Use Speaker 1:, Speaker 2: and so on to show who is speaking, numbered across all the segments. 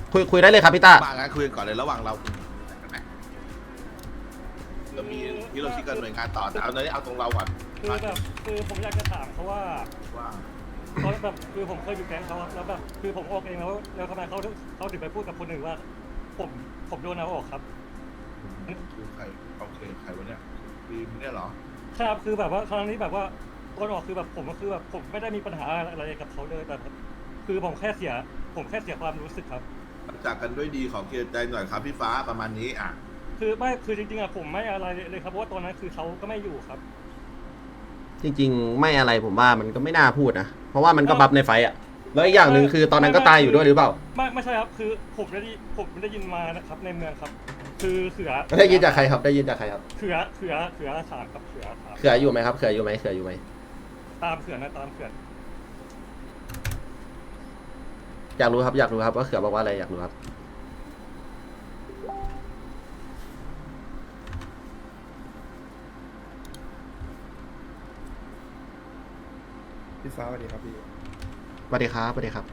Speaker 1: คุยได้เลยครับพี่ต้า
Speaker 2: มางั้นคุยกันก่อนเลยระหว่างเรากันไหมเรามีที่เราชี้กันหน่วยงานต่อแต่เอาเอาตรงเราก่อน
Speaker 3: คือแบบคือผมอยากจะถามเขาว่า
Speaker 2: ว่า
Speaker 3: เขาแบบคือผมเคยอยู่แก๊งเขาครับแล้วแบบคือผมออกเองแล้วทำไมเขาถึงไปพูดกับคนอื่นว่า ผมโดนเอาออกครับ
Speaker 2: คือใครโอเคใครวะเนี่ยบีมเนี่ยเหรอ
Speaker 3: ครับคือแบบว่าครั้งนี้แบบว่าโดนออกคือแบบผมก็คือแบบผมไม่ได้มีปัญหาอะไรกับเขาเลยแต่คือผมแค่เสียความรู้สึกครับ
Speaker 2: จากกันด้วยดีขอเคลียร์ใจหน่อยครับพี่ฟ้าประมาณนี้อ่ะ
Speaker 3: คือจริงๆอะผมไม่อะไรเลยครับเพราะว่าตอนนั้นคือเขาก็ไม่อยู่ครับ
Speaker 1: จริงๆไม่อะไรผมว่ามันก็ไม่น่าพูดนะเพราะว่ามันก็บัฟในไฟอะแล้วอีกอย่างหนึ่งคือตอนนั้นก็ตายอยู่ด้วยหรือเปล่า
Speaker 3: ไม่ใช่ครับคือผมได้ยินมานะครับในเมืองครับ คือเขือ
Speaker 1: ได้ยินจากใครครับได้ยินจากใครครับ
Speaker 3: เขือสารครับเขือสาร
Speaker 1: เขื่ออยู่ไหมครับเขื่ออยู่ไหม
Speaker 3: ตามเขือนะตามเขือ
Speaker 1: อยากรู้ครับว่าเขื่อบอกว่าอะไรอยากรู้ครับ
Speaker 4: พี่ฟ้าสวัสดีครับพี่
Speaker 1: สวัสดีครับ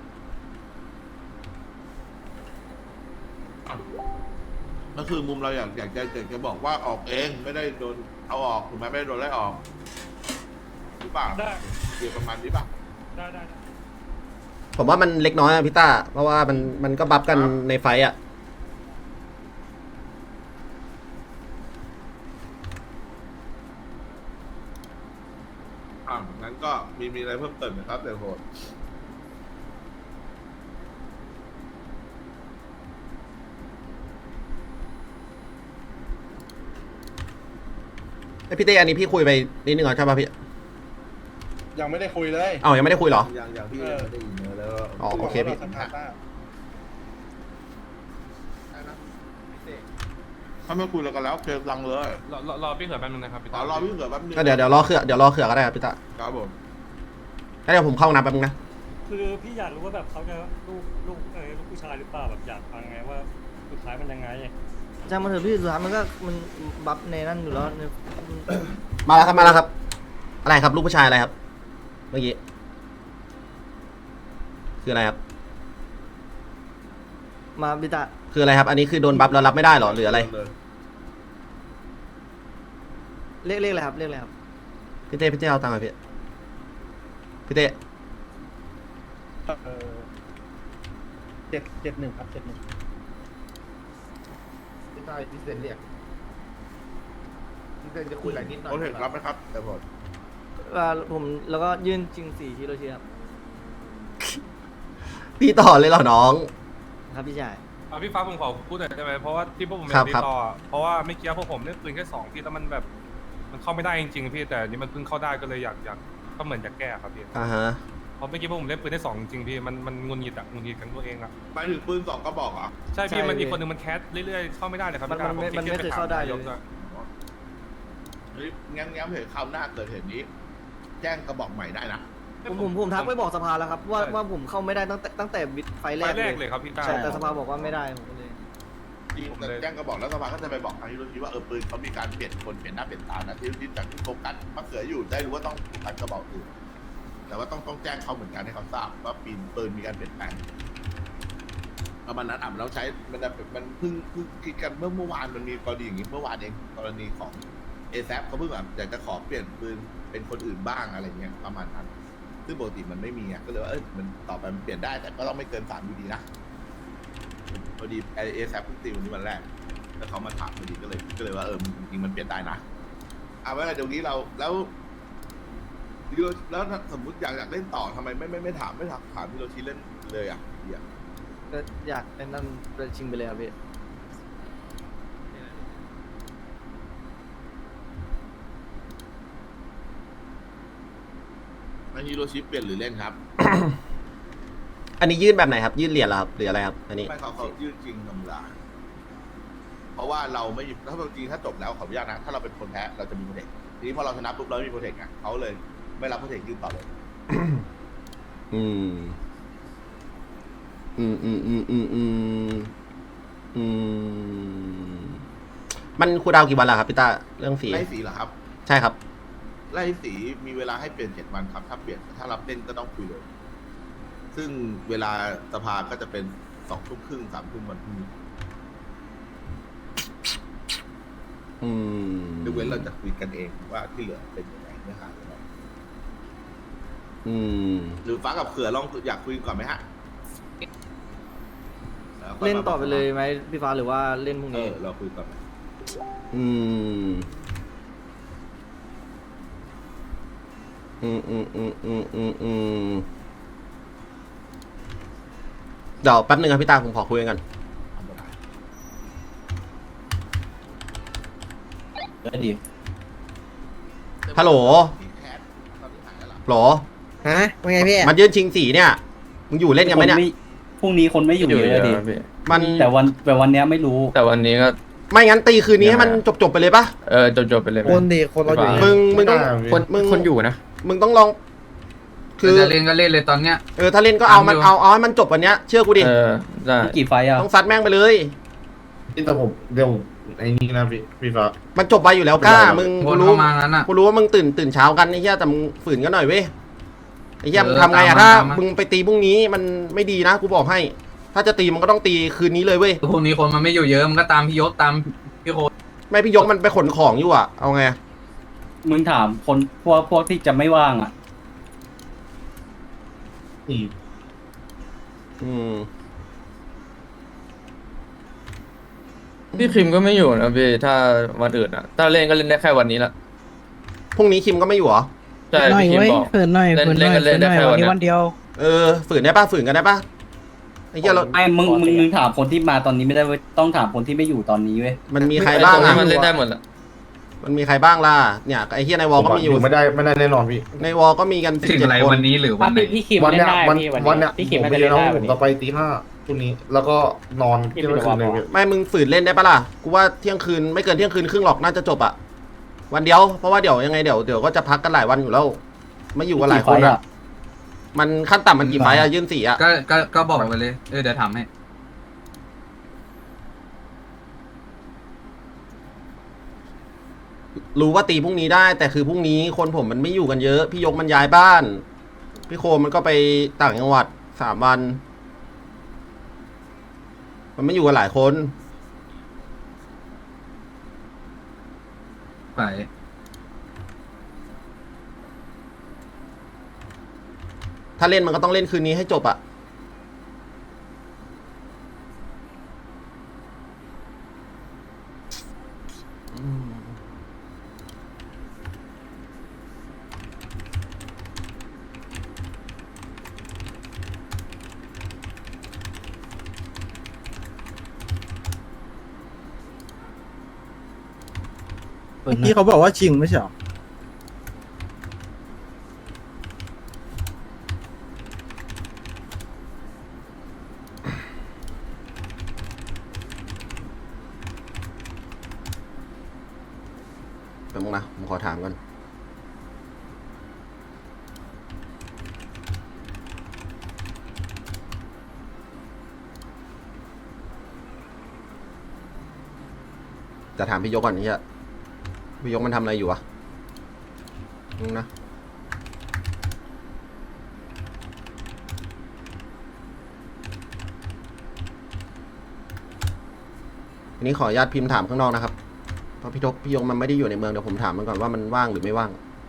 Speaker 2: ก็คือมุมเราอยากจะบอกว่าออกเองไม่ได้โดนเอาออกถูกไหมไม่ได้โดนไล่ออกหรือเปล่า
Speaker 3: ได้
Speaker 2: เกี่ยวประมาณนี้ป่ะ
Speaker 3: ได้
Speaker 1: ผมว่ามันเล็กน้อยอะพี่ต้าเพราะว่ามันก็บัฟกันในไฟอะ
Speaker 2: งั้นก็มีอะไรเพิ่มเติมไหมครับเดี๋ยวโหด
Speaker 1: พี่เต้อันนี้พี่คุยไปนิดนึงเหรอใช่ป่ะพี่
Speaker 4: ยังไม่ได้คุยเลย
Speaker 1: เอ้ายังไม่ได้คุยเหรอ
Speaker 2: อย่างพี่ยังไม่ได้ยินเนื้อแล้ว
Speaker 1: อ๋อโอเคพี่
Speaker 4: สภาต้า
Speaker 2: ถ้าไม่คุยแล้วกันแล้วเคลียร์รังเลย
Speaker 5: รอพี่เขือแป๊บนึงนะครับพี่
Speaker 2: ขอรอพี่เกิดแป๊บนึง
Speaker 1: ก็เดี๋ยวรอเขื่อก็ได้ครับพี่ต้า
Speaker 2: ครับผม
Speaker 1: งั้นเดี๋ยวผมเข้าห้องน้ำแป๊บนึงนะ
Speaker 3: คือพี่อยากรู้ว่าแบบเขาจะลูกผู้ชายหรือเปล่าแบบอยากฟังไงว่าสุดท้ายมันยังไง
Speaker 6: จำมาเถอะพี่สุดท้ายมันก็มันบัฟในนั่นอยู่แล้วใน
Speaker 1: มาแล้วครับอะไรครับลูกผู้ชายอะไรครับ เมื่อกี้คืออะไรครับ
Speaker 6: มาบิตะ
Speaker 1: คืออะไรครับ อันนี้คือโดนบัฟแล้วรับไม่ได้เหรอหรืออะไร
Speaker 6: เรียกอะไรครับเรียกอะไรครับ
Speaker 1: พี่เต้เอาตังค์มาพี่เต้
Speaker 4: 771ครับ71
Speaker 7: พี่ต้อยพี่เซนเรียกพี่เซนจะคุยอะไรนิดหน่อย
Speaker 2: โอเครับไหมครับแต่ผม
Speaker 6: ผมแล้วก็ยื่นจริง4ฮิโรชิครับ
Speaker 1: พี่ต่อเลยเหรอน้อง
Speaker 6: ครับพี่ชาย
Speaker 5: พี่ฟ้าผมขอพูดหน่อยได้ไหมเพราะว่าที่พวกผม
Speaker 1: ครับ
Speaker 5: ติดต่อเพราะว่าไม่เกี้พวกผมเล่นปืนแค่2พี่แล้วมันแบบมันเข้าไม่ได้จริงๆพี่แต่อันนี้มันเพิ่งเข้าได้ก็เลยอยากก็เหมือนอยากแก้ครับพี่
Speaker 1: อ่าฮะ
Speaker 5: เพราะเมื่อกี้พวกผมเล่นปืนได้2จริงๆพี่มันงุนหงิดกันตัวเองอะ
Speaker 2: ไปถึงปืน2ก็บอกอ่ะ
Speaker 5: ใช่พี่มันอีกคนนึงมันแคสเรื่อยๆเข้าไม่ได้เลยครับ
Speaker 6: มันไม่เคยเข้าได้เลย
Speaker 2: งั้นเหตุคราวหน้าเกิดเหตุนี้ แจ้งกระบอกใหม่ได้นะ
Speaker 6: ผมทักไปบอกสภาแล้วครับว่าผมเข้าไม่ได้ตั้งแต่ไฟแร
Speaker 5: ไฟ
Speaker 6: ก
Speaker 5: แรกเลยครับพี่ต้า
Speaker 6: ใช่แต่สภาบอกว่าไม่ได้ผมก็เลย
Speaker 2: จริงแต่แจ้งกระบอกแล้วสภาก็จะไปบอกทางฮิโรชิว่าปืนเขามีการเปลี่ยนคนเปลี่ยนหน้าเปลี่ยนตานะที่จากที่โฟกัสมะเขืออยู่ได้รู้ว่าต้องโฟกัสกระบอกอื่นแต่ว่าต้องแจ้งเขาเหมือนกันให้เขาทราบว่าปืนมีการเปลี่ยนแปลงประมาณนั้นแล้วใช้มันเพิ่งคิดกันเมื่อวานมันมีกรณีอย่างนี้เมื่อวานเองกรณีของเอซเขาเพิ่งแบบอยากจะขอเปลี่ยนปืนเป็นคนอื่นบ้างอะไรเงี้ยประมาณนั้นซึ่งปกติมันไม่มีอ่ะก็เลยว่ามันต่อไปมันเปลี่ยนได้แต่ก็ต้องไม่เกิน3 อยู่ดีนะพอดีเอซเพิ่งตีวันนี้วันแรกแล้วเขามาถามพอดีก็เลยว่าจริงๆมันเปลี่ยนได้นะเอาไว้เดี๋ยวนี้เราแล้วสมมติอยากเล่นต่อทำไมไม่ถามพี่โรชิเล่นเลยอ่ะอยาก
Speaker 6: ก็อยากไอ้นั่นไปชิงไปเลยครับพี่
Speaker 2: ฮิโรชิเปลี่ยนหรือเล่นครับ
Speaker 1: อันนี้ยื่นแบบไหนครับยื่นเหรียญเหรอครับหรืออะไรครับอันนี้
Speaker 2: ไม่เขายื่นจริงธรรมดาเพราะว่าเราไม่ถ้าจริงถ้าจบแล้วขออนุญาตนะถ้าเราเป็นคนแพ้เราจะมีโปรเทคทีนี้พอเราชนะปุ๊บเราไม่มีโปรเทคไงเขาเลยไม่รับโปรเทคยื่นต่อเลย
Speaker 1: อืมมันคูลดาวน์กี่วันล่ะครับพี่ต้าเรื่องสี
Speaker 2: ไล่สีเหรอครับ
Speaker 1: ใช่ครับ
Speaker 2: ไล่สีมีเวลาให้เปลี่ยน7 วันครับถ้าเปลี่ยนถ้ารับเล่นก็ต้องคุยเลยซึ่งเวลาสภาก็จะเป็น 2 ทุ่มครึ่ง 3 ทุ่มวันพรุ่งนี้
Speaker 1: อืม
Speaker 2: ยกเว้นเราจะคุยกันเองว่าที่เหลือเป็นยังไงเนื้อหายังไง
Speaker 1: อืม
Speaker 2: หรือฟ้ากับเขือลองอยากคุยก่อนไหมฮะแล้วค่ย
Speaker 6: เล่น
Speaker 2: มา
Speaker 6: ต่อไปเลยไหมพี่ฟ้าหรือว่าเล่นพรุ่งนี้
Speaker 2: เราคุยก่อนไหม
Speaker 1: อืม อืมอืมอืมอืมอืมอืมเดี๋ยวแป๊บนึงครับพี่ตาผมขอคุยกัน
Speaker 2: ทำไม่ได้
Speaker 8: ได้ดี
Speaker 1: ฮัลโหล
Speaker 2: พี่แคทตอนนี้หายแล้วเหรอ
Speaker 1: โหล
Speaker 6: ฮะว่าไงพี่
Speaker 1: มันยืนชิงสีเนี่ย มึงอยู่เล่นกันไหมเนี่ย
Speaker 8: พรุ่งนี้คนไม่อยู่เยอะดิ
Speaker 1: มัน
Speaker 8: แต่วันเนี้ยไม่รู้
Speaker 9: แต่วันนี้ก็
Speaker 1: ไม่งั้นตีคืนนี้ให้มันจบไปเลยปะ
Speaker 9: จบไปเลยไหม
Speaker 4: คนดีคนเราอยู่
Speaker 1: มึงต้อง
Speaker 9: คนอยู่นะ
Speaker 1: มึงต้องลอง คือ
Speaker 7: จะเล่นก็เล่นเลยตอนเนี้ย
Speaker 1: ถ้าเล่นก็เอามัน
Speaker 7: ทำอยู่
Speaker 1: เอาให้มันจบวันเนี้ยเชื่อกูดิ
Speaker 9: ได้
Speaker 8: กี่ไฟอ่ะ
Speaker 1: ต้องซัดแม่งไปเลย
Speaker 4: แต่ผมเดี๋ยวไอ้นี่นะพี่ฟ้า
Speaker 1: มันจบไปอยู่แล้วกล้า มึง
Speaker 7: ว
Speaker 1: กู
Speaker 7: น
Speaker 1: รู้
Speaker 7: เข้ามางั้นอ่ะ
Speaker 1: กูรู้ว่ามึงตื่นเช้ากันไอ้เหี้ยแต่มึงฝืนกันหน่อยเว้ยไอ้เหี้ย
Speaker 7: เออ
Speaker 1: มึงทำไงอะ
Speaker 7: ตามมา
Speaker 1: ถ้า
Speaker 7: ตามมามึ
Speaker 1: มึงไปตีพรุ่งนี้มันไม่ดีนะกูบอกให้ ถ้าจะตีมันก็ต้องตีคืนนี้เลยเว้ย
Speaker 7: พวกนี้คนมันไม่อยู่เยอะมันก็ตามพี่ยศตามพี่โค
Speaker 1: ไม่พี่ยกมันไปขนของอยู่อะเอาไง
Speaker 8: มึงถามคนพวกที่จะไม่ว่างอ่ะ
Speaker 4: นี่
Speaker 1: อืม
Speaker 9: พี่คิมก็ไม่อยู่นะพี่ถ้าวันอื่นอ่ะ ถ้าเล่นก็เล่นได้แค่วันนี้ละ
Speaker 1: พรุ่งนี้คิมก็ไม่อยู่เหรอ
Speaker 9: ใช่พี่คิมบอก
Speaker 10: ฝืนหน่อย
Speaker 9: เล่น
Speaker 10: ฝืนหน่อย
Speaker 9: เล่นได้แค่วันเนี้ย
Speaker 10: วันเดียว
Speaker 1: ฝืนได้ปะฝืนกันได้ปะไอ้เหี้ยเรา
Speaker 8: ไอ้มึงถามคนที่มาตอนนี้ไม่ได้เว้ยต้องถามคนที่ไม่อยู่ตอนนี้เว้ย
Speaker 1: มันมีใครบ้าง
Speaker 9: ไอ้ต
Speaker 1: อะ
Speaker 9: นี้มันเล่นได้หมดละ
Speaker 1: มันมีใครบ้างล่ะเนี่ยไอ้เหี้ยในวอลก็มีอยู่
Speaker 4: ไม่ได้แน่นอนพี่
Speaker 1: ในวอลก็มีกัน
Speaker 7: ถึงอะไร
Speaker 1: 17 คน
Speaker 7: วันนี้หรือวันไหน
Speaker 10: พี่คิม
Speaker 4: วัน
Speaker 10: เล่
Speaker 4: เนี้
Speaker 10: น
Speaker 4: ย
Speaker 10: ได้
Speaker 4: วัน
Speaker 10: พี่
Speaker 4: วันเนี้ย
Speaker 10: พี่คิม
Speaker 4: ผม
Speaker 10: น่า
Speaker 4: ไป
Speaker 10: จะ
Speaker 4: เรีย
Speaker 10: เล่
Speaker 4: น
Speaker 10: น
Speaker 4: น้อง
Speaker 10: ได้
Speaker 4: ผ
Speaker 10: วัน
Speaker 4: ม
Speaker 10: นี้
Speaker 4: จะไปตี 5พรุ่งนี้แล้วก็นอน
Speaker 10: พี่
Speaker 4: เที่ยงคืนเลย
Speaker 10: ไม่
Speaker 4: พี่
Speaker 10: ได้
Speaker 1: ไม่มึงฝืนเล่นได้ปะล่ะกูว่าเที่ยงคืนไม่เกินเที่ยงคืนครึ่งหรอกน่าจะจบอะวันเดียวเพราะว่าเดี๋ยวยังไงเดี๋ยวก็จะพักกันหลายวันอยู่แล้วไม่อยู่กันหลายคนอะมันขั้นต่ำมันกี่ไฟต์อะยื่นสีอะ
Speaker 7: ก็บอกไปเลยเดี๋ยวถามให้
Speaker 1: รู้ว่าตีพรุ่งนี้ได้ แต่คือพรุ่งนี้คนผมมันไม่อยู่กันเยอะ พี่ยกมันย้ายบ้าน พี่โคมมันก็ไปต่างจังหวัด3 วัน มันไม่อยู่กันหลายคน
Speaker 7: ไป
Speaker 1: ถ้าเล่นมันก็ต้องเล่นคืนนี้ให้จบอะ
Speaker 10: เมื่อกี้เขาบอกว่าชิงไม่ใช่หรอ
Speaker 1: แป๊บนึงนะผมขอถามก่อนจะถามพี่ยกก่อนนี่ฮะพี่ยกมันทำอะไรอยู่วะนึงนะทีนี้ขออนุญาตพิมพ์ถามข้างนอกนะครับเพราะพี่ยกมันไม่ได้อยู่ในเมืองเดี๋ยวผมถามมันก่อนว่ามันว่างหรือไม่ว่าง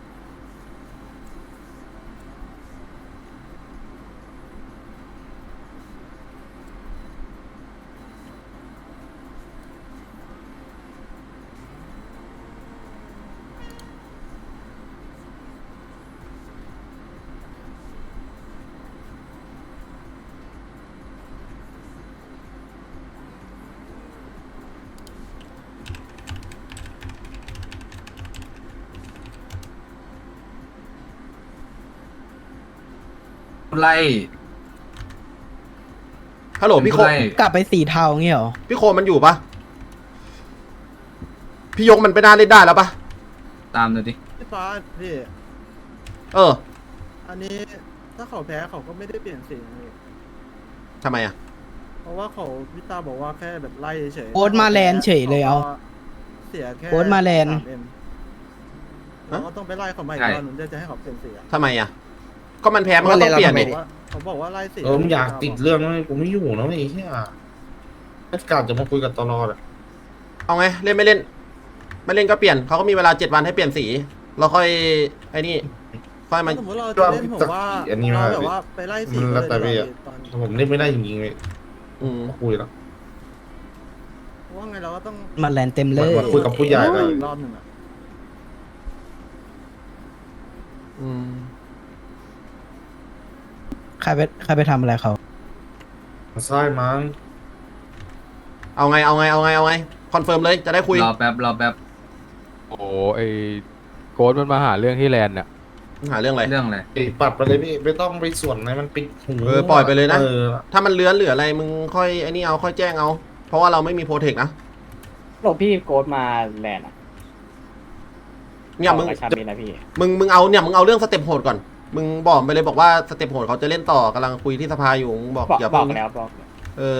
Speaker 7: ไล่
Speaker 1: ฮัลโหลพี่โค
Speaker 7: ไล่
Speaker 10: กลับไปสีเทาเงี้ยเหรอ
Speaker 1: พี่โคมันอยู่ปะพี่ยกมันไปน่าเล่นได้แล้วปะ
Speaker 7: ตามเลยดิ
Speaker 10: พี่ฟ้าพี่
Speaker 1: เออ
Speaker 10: อันนี้ถ้าเขาแพ้เขาก็ไม่ได้เปลี่ยนสีเลย
Speaker 1: ทำไมอะ
Speaker 10: เพราะว่าเขาพี่ตาบอกว่าแค่แบบไล่เฉย
Speaker 11: โอ๊ตมาแลนด์เฉยเลยเอา
Speaker 10: เสียแค่
Speaker 11: โอ๊ตมาแลนด์
Speaker 10: 3M เราก็ต้องไปไล่เขาใหม่ก่อนหนุนจะให้เขาเปลี่ยนสีอะ
Speaker 1: ทำไมอะก็มันแพ้มันก็ต้องเปลี่ยนดิ
Speaker 10: เขาบอกว่าไล่สิ
Speaker 4: มึงอยากติดเรื่องนั้นกูไม่อยู่นะไอ้เหี้ยกาจะมาคุยกับตลอดอ่ะ
Speaker 1: เอาไงเล่นไม่เล่น ไม่เล่นก็เปลี่ยนเขาก็มีเวลา7 วันให้เปลี่ยนสีเราค่อยไอ้นี่ค่อยมา
Speaker 10: สมมติเราจะเล่นผมว่าเราแบบว่าไปไล่สิเลยตอน
Speaker 4: ผมเล่นไม่ได้จริงๆเลย
Speaker 1: อืม
Speaker 4: คุยแล้ว
Speaker 10: ว่าไงเราก็ต้อง
Speaker 8: มันแลนเต็มเลย
Speaker 4: มาคุยกับผู้ใหญ่เลย
Speaker 10: รอบหนึ่งอะ
Speaker 1: อืม
Speaker 8: ใครไปทำอะไรเขา
Speaker 4: ใช่มั้ง
Speaker 1: เอาไงคอนเฟิร์มเลยจะได้คุย
Speaker 9: รอแป๊บ
Speaker 11: โอ้ไอโกดมันมาหาเรื่องที่แลนด์เนี่ย
Speaker 1: หาเรื่องอะไร
Speaker 9: เรื่องอะไร
Speaker 4: ปัดไปเลยพี่ไม่ต้องไปส่วนไหนมันปิดหู
Speaker 1: ปล่อยไปเลยนะ
Speaker 4: เออ
Speaker 1: ถ้ามันเลื้อนหรืออะไรมึงค่อยไอ้นี่เอาค่อยแจ้งเอาเพราะว่าเราไม่มีโปรเทคนะ
Speaker 8: หลบพี่โกดมาแลนด์อ่ะ
Speaker 1: เนี่ยมึง
Speaker 8: ชาบินนะพี่
Speaker 1: มึงเอาเนี่ยมึงเอาเรื่องสเต็ปโหดก่อนมึงบอกไปเลยบอกว่าสเต็ปโหดเขาจะเล่นต่อกำลังคุยที่สภาอยู่มึงบอกอย่า
Speaker 8: บ
Speaker 1: เพิ่
Speaker 8: อง กแล้วบอก
Speaker 1: เออ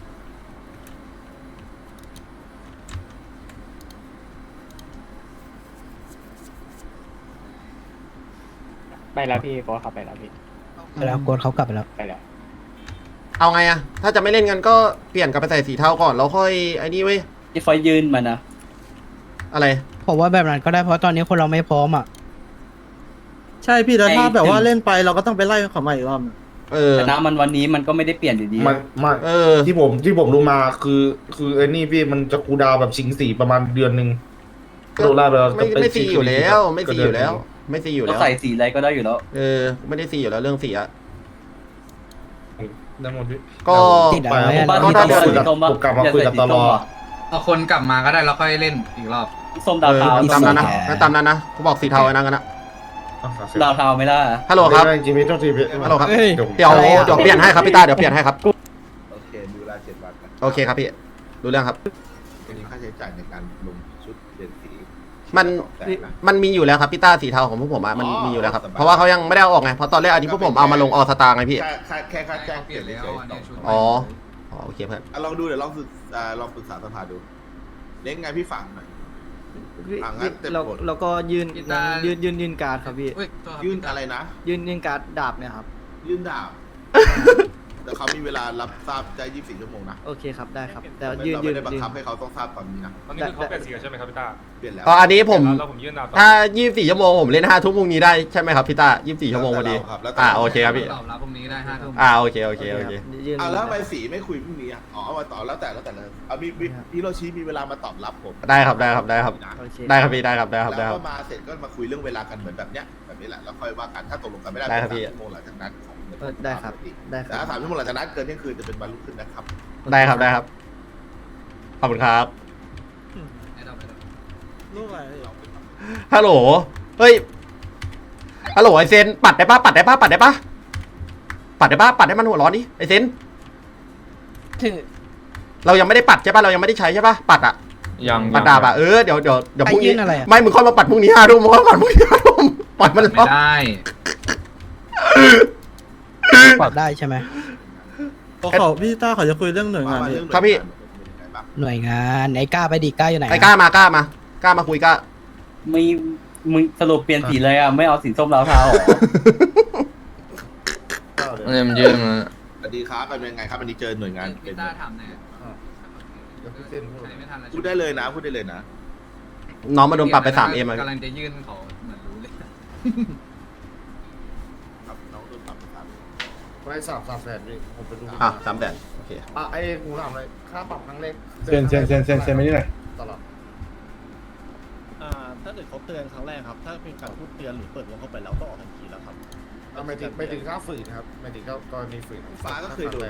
Speaker 8: ไปแล้วพี่โกดขับไปแล้วพี่ไปแล้วโกดเขากลับไปแล้วไปแล้ว
Speaker 1: เอาไงอะถ้าจะไม่เล่นกันก็เปลี่ยนกลับไปใส่สีเทาก่อนแล้วค่อยไอ้นี่เว้ย
Speaker 8: ที่ไฟยืนมันนะ
Speaker 1: อะไร
Speaker 8: ผมว่าแบบนั้นก็ได้เพราะตอนนี้คนเราไม่พร้อมอ่ะ
Speaker 10: ใช่พี่แล้วถ้าแบบว่าเล่นไปเราก็ต้องไปไล่เขาใหม่อีกรอบ
Speaker 1: เออ
Speaker 8: แต่น้ำมันวันนี้มันก็ไม่ได้เปลี่ยนอยู่ดี
Speaker 4: มัน
Speaker 1: เออ
Speaker 4: ที่ผมรู้มาคือไอ้นี่พี่มันจะคูลดาวน์แบบชิงสีประมาณเดือนหนึ่งโดนล่าไปแล้ว
Speaker 1: ไม่ซีอยู่แล้วไม่ซีอยู่แล้ว ไม่ซีอยู่
Speaker 8: ก็
Speaker 1: แล้ว
Speaker 8: ใส่สีอะไรก็ได้อยู่แล้ว
Speaker 1: เออไม่ได้ซีอยู่แล้วเรื่องสีอะ
Speaker 4: ได้หมดพี่
Speaker 1: ก็
Speaker 8: ติดอะ
Speaker 4: ไป
Speaker 8: ไร
Speaker 4: ผม
Speaker 8: อะ
Speaker 4: ก็ได้คุยกับผมกลับมาคุยกับตลอด
Speaker 9: เอาคนกลับมาก็ได้แล้วค่อยเล่นอีกรอบ
Speaker 8: ส้มดาวเทา
Speaker 1: ตามนั้นนะงั้นตามนั้นนะกูบอกสีเทาไว้นั่งกันนะ
Speaker 8: ดาวเทาไม่ได้
Speaker 1: ฮัลโหลครับ
Speaker 4: จริงๆพี่โทษทีพี่
Speaker 1: ฮัลโหลครับ
Speaker 11: เฮ้ย
Speaker 1: เดี๋ยวเปลี่ยนให้ครับพี่ตาเดี๋ยวเปลี่ยนให้ครับ
Speaker 2: โอเคมีเวลา7 วันนะ
Speaker 1: โอเคครับพี่รู้เรื่องครับ
Speaker 2: จะมีค่าใช้จ่ายในการลงชุดเปลี่ยนสี
Speaker 1: มัน
Speaker 2: 200,000นะ
Speaker 1: มันมีอยู่แล้วครับพี่ต้าสีเทาของพวกผมอะมัน
Speaker 2: อ๋อ
Speaker 1: มีอยู่แล้วครับ
Speaker 2: สบาย
Speaker 1: เพราะว่าเขายังไม่ได้เอาออกไงเพราะตอนแรกอันนี้พวกผมเอามาลงออสตาไงพี่
Speaker 2: แค่ค่าแจ้งเปลี่ยนเฉยๆต่อ
Speaker 1: อ๋อโอเคเพื่อน
Speaker 2: ลองดูเดี๋ยวลองปรึกษาสภาดูเล้งไงพี่ฟังหน่อย งั้นเต็ม
Speaker 6: เรา
Speaker 2: หมด
Speaker 6: เราก็ยื่นการ์ดครับพี่
Speaker 2: ยื่นอะไรนะ
Speaker 6: ยื่นการ์ดดาบเนี่ยครับ
Speaker 2: ยื่นดาบ แต่เขามีเวลารับทราบได้24 ชั่วโมงนะ
Speaker 6: โอเคครับได้ครับ แต่
Speaker 2: เรา
Speaker 6: ยื่น
Speaker 2: ไม่ได้บังคับให้เขาต้องทราบตอนนี้นะ
Speaker 5: ตอนนี้คือเขาเปลี่ยนสีแล้วใช่ไหมครับพี่ต้า
Speaker 2: เปลี่ยนแล้ว
Speaker 1: อ๋ออันนี้ผม
Speaker 5: แล้วผมยื่นดาวต่อ
Speaker 1: ถ้า24 ชั่วโมงผมเล่น5 ทุ่มพรุ่งนี้ได้ใช่ไหมครับพี่ต้า24 ชั่วโมงพอดี
Speaker 2: แล้วแต่เราครับแล้วแต่
Speaker 1: โอเคครับพี่
Speaker 9: ตอบรับพรุ่งนี้ได้5 ทุ่ม
Speaker 1: โอเคโอเค
Speaker 6: ยื่น
Speaker 2: เอาแล้วทำไมสีไม่คุยพรุ่งนี้อ่ะอ๋อเอามาต่อแล้วแต่เลยเอามีฮิโรชิมีเวลามาตอบรับผม
Speaker 1: ได้ครับได้ครับได้ครับ
Speaker 2: นะ
Speaker 6: โอเค
Speaker 1: ได้ครับพี่ได้ครับได้ครับได้
Speaker 2: แล้ว
Speaker 1: ครั
Speaker 2: ก็
Speaker 1: บ
Speaker 2: มาเสร็จก็มาคุยเรื่องเวลากันเหมือนแบบเนี้ยแบบนี้แหละแล้วค่อยว่ากันถ้าตกลงกันไม่ได้
Speaker 1: ได้ครับพี่
Speaker 2: 3 ชั่วโมงหลังจากนั้นของ
Speaker 6: ได้ครับได้ค
Speaker 2: แต่
Speaker 6: รับ
Speaker 2: ถ้า3 ชั่วโมงหลังจากนั้นเกินเที่ยงคืนจะเป็นวันรุ่งขึ้นนะครับ
Speaker 1: ได้ครับได้ครับขอบคุณครับ
Speaker 10: ลูกอะไร
Speaker 1: ฮัลโหลเฮ้ยฮัลโหลไอเซนปัดได้ปะปัดได้ปะปัดได้ปะปัดได้ปะปัดให้มันหัวร้อนดิไอเซนเรายังไม่ได้ปัดใช่ปะเรายังไม่ได้ใช้ใช่ปะปัดอะ
Speaker 9: ยัง
Speaker 1: ปัดดาบอะเดี๋ยวพรุ่งนี้
Speaker 8: ไอ้ยื่นอะไรอะ
Speaker 1: ไม่มึงค่อยมาปัดพรุ่งนี้5 ทุ่มมึงค่อยมาปัดพรุ่งนี้5 ทุ่มปล่อยมัน
Speaker 9: ไม่
Speaker 1: ร้อน
Speaker 9: ได้
Speaker 8: ปรับได้ใช่ไหม
Speaker 10: เขาพี่ต้าเขาจะคุยเรื่องหน่วยงาน
Speaker 2: ว่า
Speaker 10: พี่
Speaker 2: เรื่อง
Speaker 1: ครับพี่
Speaker 2: เป็นยังไงบ้าง
Speaker 8: หน่วยงานไอ้ก้าไปดิก้าอยู่ไหน
Speaker 1: ไอ้กล้ามากล้ามาคุยกล้า
Speaker 8: ไม่มึงสรุปเปลี่ยนสีเลยอ่ะไม่เอาสีส้มดาวเทาหรอ
Speaker 9: เนี่ยมันยื่นมา
Speaker 2: สวัสดีครับเป็นยังไงครับวันนี้เจอหน่วยงานเป็น
Speaker 9: พี่ต้าทำเนี่ย
Speaker 4: เดี๋ยวพี่เซ็นพูด
Speaker 9: ไม่ทันแล้ว
Speaker 2: พูดได้เลยนะพูดได้เลยนะ
Speaker 1: น้องมาโดนปรับไป3M อะ
Speaker 9: กำลังจะยื่นเขาเหมือนรู้เลย
Speaker 2: ครับน้องโดนปรับไปครับ
Speaker 4: ไว้3 แสนพี่ผมไปดู
Speaker 1: 3 แสนโอเค
Speaker 4: ไอ้กูถามเลยค่าปรับครั้งแรก
Speaker 11: เซ็นไม่ได้ไหน
Speaker 4: ตลอด
Speaker 10: ถ้าเกิดเขาเตือนครั้งแรกครับ ถ้าเป็นการพูดเตือนหรือเปิดวงเข้าไปแล้วก็ออกทันทีแล้วครับ
Speaker 4: ไม่ถึงค่าฝืนครับไม่ถึงกรณีฝืน
Speaker 2: ฟ้าก็เคยโดน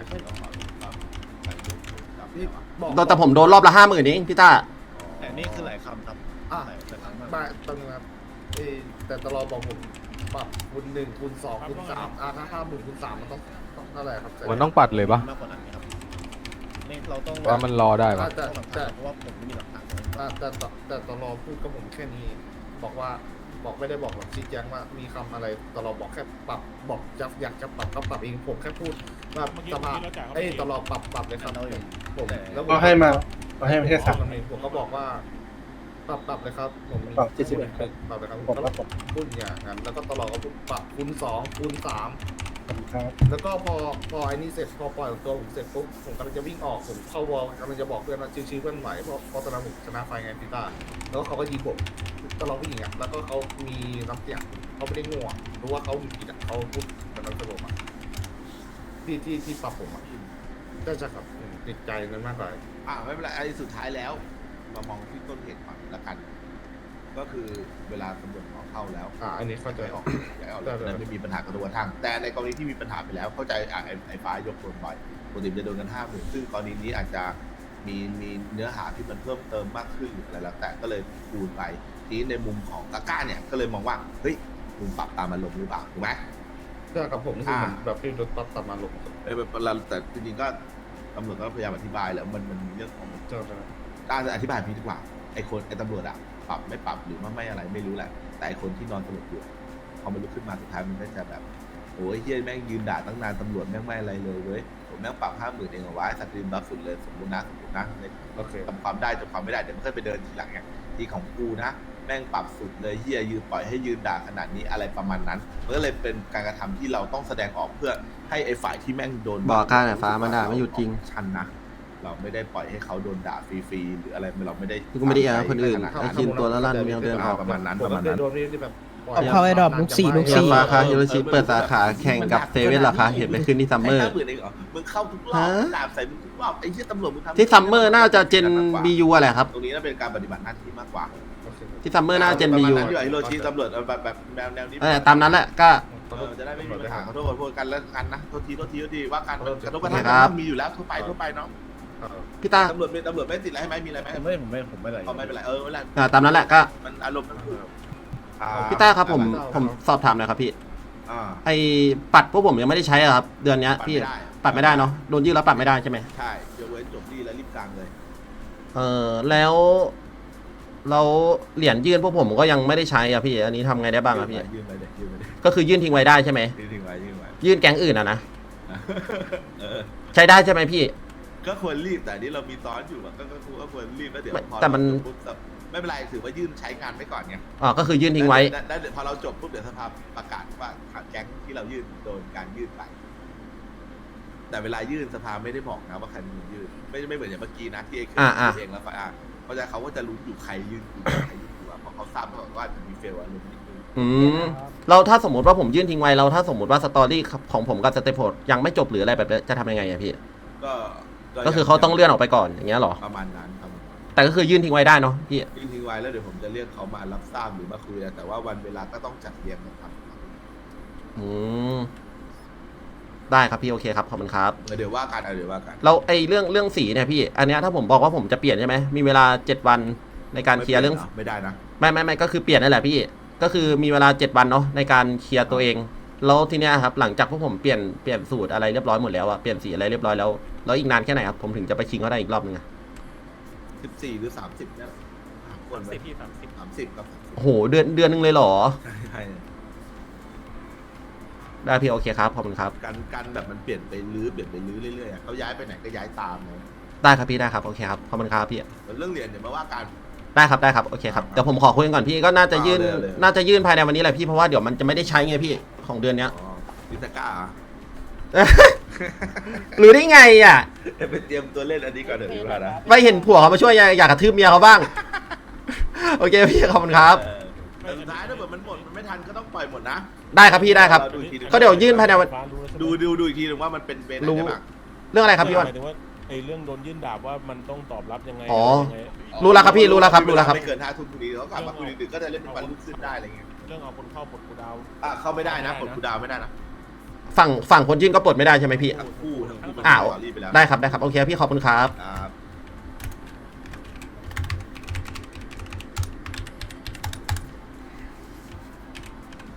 Speaker 4: นี่บอก
Speaker 1: แต่ผมโดนรอบละ 50,000เองพี่ต้า
Speaker 10: แต่นี่คือหลายคำครับ
Speaker 4: อ่ะ
Speaker 10: แต่ครั้ง
Speaker 4: มาตรงนั้นแต่ตลอดบอกผมปรับคูณ1คูณ2คูณ3ถ้า50,000คูณ3มันต้องเท่าไหร่ครับ
Speaker 11: มันต้องปัดเลยปะ
Speaker 10: มากกว่านั้นครับนี่เราต้อง
Speaker 11: ว่ามันรอได้ปะ
Speaker 4: แต่
Speaker 10: เพราะว่าผมไม่มีหลักฐาน
Speaker 4: แต่ตลอพูดกับผมแค่นี้บอกไม่ได้บอกแบบชี้แจงว่ามีคำอะไรตลอบอกแค่ปรับบอกอยากจะปรับก็ปรับเองผมแค่พูดว่าสภาตลอปรับเลยครับผมแล้ว
Speaker 11: ก็ให้มาแค่
Speaker 4: ผมก็บอกว่าปรับเลยครับผมมี
Speaker 8: ปรับ71
Speaker 4: ปรับเลยครับผมก็พูดอย่างนั้นแล้วก็ตลอดก็พูดปรับคูณ2คูณ3แล้วก็พอไอ้นี่เสร็จพอปล่อยตัวผมเสร็จปุ๊บผมกำลังจะวิ่งออกผมเข้าวอลกำลังจะบอกเพื่อนว่าชิวๆเพื่อนไหวเพราะตอนนั้นผมชนะไฟไงพี่ต้าแล้วก็เขาก็ยิงผมตลอดผู้หญิงอ่ะแล้วก็เขามีน้ำเสียงเขาไม่ได้ง่วงรู้ว่าเขาผิดอ่ะเขาพูดเหมือนเราสลบอ่ะที่ปรับผมอ่ะก็จะครับติดใจนั้นมากกว่า
Speaker 2: ไม่เป็นไรไอ้สุดท้ายแล้วมามองที่ต้นเหตุก่อนละกัน ก็คือเวลาตำรวจขอเข้าแล้ว
Speaker 4: อันนี้เข้าใจ
Speaker 2: ออกย้ายออกเลยนั้นไม่มีปัญหากระทรวงทาง แต่ในกรณีที่มีปัญหาไปแล้วเข้าใจไอ้ฟ้ายกโดนบ่อยปกติจะโดนกัน50,000ซึ่งกรณีนี้อาจจะมีเนื้อหาที่มันเพิ่มเติมมากขึ้นหรืออะไรแล้วแต่ก็เลยคูณไปทีนี้ในมุมของกาก้าเนี่ยก็เลยมองว่าเฮ้ยมึงปรับตามอารมณ์หรือเปล่าถูกไหม
Speaker 4: ใช่ครับผมนี่คือเหมือนแบบที่รถตัดมาลง
Speaker 2: แต่จริงๆก็ตำรวจก็พยายามอธิบายแล้วมันมีเรื่องของ
Speaker 4: เจ้า
Speaker 2: การอธิบายพี่ดีกว่าไอ้ตำรวจอะปรับไม่ปรับหรือว่าไม่อะไรไม่รู้แหละแต่ไอ้คนที่นอนสลบอยู่พอมันลุกขึ้นมาสุดท้ายมันก็จะแบบโอ้ยเฮียแม่งยืนด่าตั้งนานตำรวจแม่งไม่อะไรเลยเว้ยผมแม่งปรับ50,000เองเหรอวะสตรีมบัฟสุดเลยสมมตินะเลย
Speaker 4: โอเค
Speaker 2: จำความได้จำความไม่ได้เดี๋ยวมันค่อยไปเดินทีหลังไงที่ของกูนะแม่งปรับสุดเลยเฮียยืนปล่อยให้ยืนด่าขนาดนี้อะไรประมาณนั้นมันก็เลยเป็นการกระทำที่เราต้องแสดงออกเพื่อให้ไอ้ฝ่ายที่แม่งโดน
Speaker 1: บอกกล้าหน่อยฟ้ามันด่าไม่หยุดจริง
Speaker 2: ชันนะเราไม่ได้ปล่อยให้เขาโดนด่าฟรีๆหรืออะไรเราไม่ได้
Speaker 1: ที่กูไม่ได้แอบคนอื่นไอ้คินตัวละลั่นยังเดินออก
Speaker 2: ประมาณนั้น
Speaker 4: ผมก็เคยโดนนี่แบบ
Speaker 8: เอาเข้าไอ้ดอกลูกสี่
Speaker 1: เชียร์ฟ้าคะฮิโรชิเปิดสาขาแข่งกับเซเว่นเหรอคะเห็นไปขึ้นที่ซัมเมอร์
Speaker 2: 50,000เองเหรอมึงเข้าทุกรอบด่าใส่มึงทุกรอบไอ้เหี้ยตำรวจมึงทำ
Speaker 1: ที่ซัมเมอร์น่าจะเจนบียูอะไรครับ
Speaker 2: ตรงนี้น่าเป็นการปฏิบัติหน้าที่มากกว่า
Speaker 1: ที่ซัมเมอร์น่าจะเจนบียู
Speaker 2: ประมาณนั้นที่ว่าฮิโรชิตำรวจแบบแนวนี้
Speaker 1: ตามนั้นแหละก็
Speaker 2: จะได้ไม่มีปัญหาขอโทษกันแล้วกันนะโทษทีว่าการกระทบกระ
Speaker 1: ครั
Speaker 2: ทั่ง
Speaker 1: บ
Speaker 2: มันมีอยู่แล้วทั่วไปเนาะ
Speaker 1: พี่ตา
Speaker 2: ตำรวจไม่ติดอะไรให้ไหมมีอะไรไหม
Speaker 10: ผมไม่อะไร
Speaker 2: ไม่เป็นไรไม่เป็นไร
Speaker 1: ตามนั้นแหละก็
Speaker 2: มันอารมณ์มัน
Speaker 1: พี่ต้าครับผมสอบถามหน่อยครับพี่
Speaker 2: อ่า
Speaker 1: ไอ้ปัดพวกผมยังไม่ได้ใช้อะครับ เดือนเนี้ยพี่ปัดไม่ได้เนาะโดนยืดแล้วปัดไม่ได้ใช่ไหม
Speaker 2: ใช่ยกเว้นจบดีแล้วรีบกลางเลย
Speaker 1: แล้วเราเหรียญยื่นพวกผมก็ยังไม่ได้ใช้อ่ะพี่อันนี้ทำไงได้บ้างอ่ะพี่
Speaker 2: ยืนไปเลย
Speaker 1: ก็คือยื่นทิ้งไว้ได้ใช่ไหม
Speaker 2: ยืนไว้
Speaker 1: ยื่นแก๊งอื่นอ่ะนะ
Speaker 2: เออ
Speaker 1: ใช้ได้ใช่ไหมพี่
Speaker 2: ก็ควรรีบแต่นี่เรามีซ้อนอยู่อะก็ควรรีบแล้วเดี๋ยวพอ
Speaker 1: แต่มัน
Speaker 2: ไม่เป็นไรถือว่ายื่นใช้งานไว้ก่อนไง
Speaker 1: อ๋อก็คือยื่นทิ้งไว้
Speaker 2: ได้พอเราจบปุ๊บเดี๋ยวสภาประกาศว่าแก๊งที่เรายื่นโดนการยื่นไป แต่เวลายื่นสภาไม่ได้บอกนะว่าใครเป็นคนยื่นไม่เหมือนอย่างเมื่อกี้นะที่เองเองแล้วเพราะฉะนั้นเขาก็จะรู้อยู่ใครยื่นอยู่ใครยื่นอยู่เพราะเขาทราบว่าจะมีเฟลอารมณ์นิดนึง
Speaker 1: เราถ้าสมมติว่าผมยื่นทิ้งไว้เราถ้าสมมติว่าสตอรี่ของผมกับสเตปโพดยังไม่จบหรืออะไรแบบนี้จะทำยังไงอะพี่ ก็คือเขาต้องเลื่อนออกไปก่อนอย่างเงี้ยหรอ
Speaker 2: ประมาณนั้นครับ
Speaker 1: แต่ก็คือยื่นทิ้งไว้ได้เนาะพี่
Speaker 2: ยื่นทิ้งไว้แล้วเดี๋ยวผมจะเรียกเขามารับทราบหรือมาคุยแต่ว่าวันเวลาก็ต้องจัดเรียงกันครับ
Speaker 1: ได้ครับพี่โอเคครับขอบคุณครับ
Speaker 2: เดี๋ยวว่ากัน
Speaker 1: เราไอเรื่องสีเนี่ยพี่อันเนี้ยถ้าผมบอกว่าผมจะเปลี่ยนใช่ไหมมีเวลา7 วันในการเคลียร์เรื่อง
Speaker 2: ไม่ได้นะ
Speaker 1: ไม่ก็คือเปลี่ยนนั่นแหละพี่ก็คือมีเวลา7 วันเนาะในการเคลียร์ตัวเองแล้วทีเนี้ยครับหลังจากพวกผมเปลี่ยนสูตรอะไรเรียบร้อยหมดแล้วอะเปลี่ยนสีอะไรเรียบร้อยแล้วอีกนานแค่ไหนครับผมถึงจะไปชิงเขาได้อีกรอบนึงอะ
Speaker 2: 14หรือ30เนี่ยควรไป30ครับ
Speaker 1: โอ้โหเดือนนึงเลยเหรอ
Speaker 2: ใช่
Speaker 1: ได้พี่โอเคครับขอบคุณครับ
Speaker 2: การแบบมันเปลี่ยนไปลื้อเรื่อยๆเขาย้ายไปไหนก็ย้ายตามเลย
Speaker 1: ได้ครับพี่ได้ครับโอเคครับขอบคุณครับพี่
Speaker 2: เรื่องเรียนเดี๋ยวมาว่ากัน
Speaker 1: ได้ครับโอเคครับเดี๋ยวผมขอคุยกันก่อนพี่ก็น่าจะยื่นภายในวันนี้แหละพี่เพราะว่าเดี๋ยวมันจะไม่ได้ใช้ไงพี่ของเดือนเนี้ย
Speaker 2: ลิซาก้า
Speaker 1: รู้ได้ไงอ่ะ
Speaker 2: ไปเตรียมตัวเล่นอันนี้ก่อนเดี๋ยวดีกว่านะ
Speaker 1: ไม่เห็นผัวเขามาช่วยอยากกระทืบเมียเขาบ้าง โอเคพี่ขอบคุณครับ
Speaker 2: แต่สุดท้ายถ้าเกิดมันหมดมันไม่ทันก็ต้องปล่อยหมดนะ
Speaker 1: ได้ครับพี่ได้ครับก็เดี๋ยวยื่นภายในวัน
Speaker 2: ดูอีกทีนึงว่ามันเป็นเบนอะไรบ้าง
Speaker 1: เรื่องอะไรครับพี่วัน
Speaker 10: หมายถึงว่าไอ้เรื่องโดนยื่นดาบว่ามันต้องตอบรับยังไง
Speaker 1: อ๋อ รู้แล้วครับพี่รู้แล้วครับ
Speaker 2: ไม่เกิน5 ทุ่มพอดีเขากลับมาคุยดึกๆก็จะเล่นเป็นวันรุ่งขึ้นได้อะไรเงี้ย
Speaker 10: เรื่องเอาคนเข้าปลดกูดาว
Speaker 2: เข้าไม่ได้นะปลดกูดาวไม่ได้นะ
Speaker 1: ฝั่งคนยื่นก็ปลดไม่ได้ใช่ไหมพี่
Speaker 2: ทั้งคู่
Speaker 1: อ้าว
Speaker 2: รีบไปแล้ว
Speaker 1: ได้ครับโอเคพี่ขอบคุณครับ
Speaker 2: อ่า